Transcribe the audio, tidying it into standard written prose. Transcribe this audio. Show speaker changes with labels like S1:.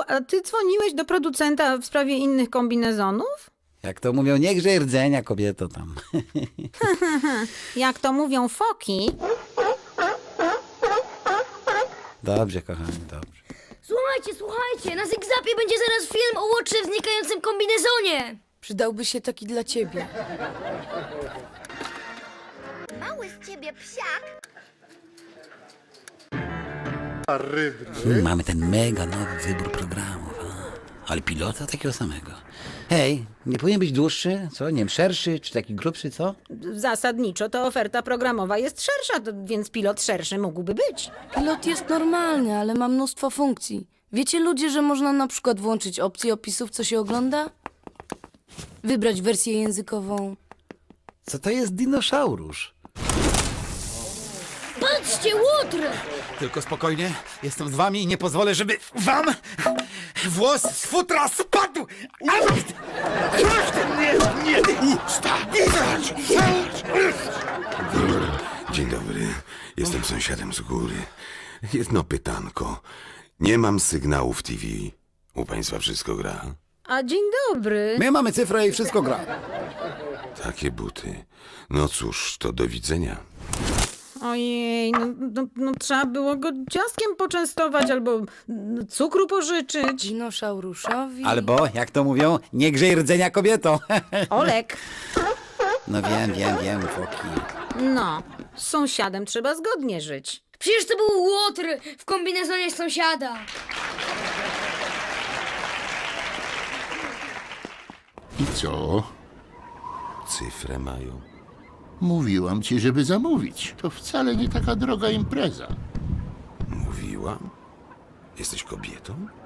S1: a ty dzwoniłeś do producenta w sprawie innych kombinezonów?
S2: Jak to mówią, nie grzej rdzenia, kobieto tam.
S1: Jak to mówią foki.
S2: Dobrze, kochani, dobrze.
S3: Słuchajcie, na Zygzapie będzie zaraz film o Łotrze w znikającym kombinezonie.
S4: Przydałby się taki dla ciebie.
S5: Mały z ciebie psiak.
S2: Mamy ten mega nowy wybór programów. Ale pilota takiego samego. Hej, nie powinien być dłuższy, co? Nie wiem, szerszy, czy taki grubszy, co?
S1: Zasadniczo to oferta programowa jest szersza, więc pilot szerszy mógłby być.
S4: Pilot jest normalny, ale ma mnóstwo funkcji. Wiecie ludzie, że można na przykład włączyć opcję opisów, co się ogląda? Wybrać wersję językową.
S2: Co to jest dinosaurusz?
S3: Patrzcie, Łotr!
S6: Tylko spokojnie, jestem z wami i nie pozwolę, żeby wam włos z futra spadł!
S7: Dzień dobry, jestem sąsiadem z góry. Jedno pytanko. Nie mam sygnału w TV. U państwa wszystko gra?
S1: A dzień dobry.
S2: My mamy cyfrę i wszystko gra.
S7: Takie buty. No cóż, to do widzenia.
S1: Ojej, no trzeba było go ciastkiem poczęstować albo cukru pożyczyć.
S4: Dinosauruszowi.
S2: Albo, jak to mówią, nie grzej rdzenia, kobieto.
S1: Olek.
S2: No wiem, foki.
S1: No, z sąsiadem trzeba zgodnie żyć.
S3: Przecież to był Łotr w kombinezonie sąsiada.
S8: I co?
S7: Cyfrę mają.
S8: Mówiłam ci, żeby zamówić. To wcale nie taka droga impreza.
S7: Mówiłam? Jesteś kobietą?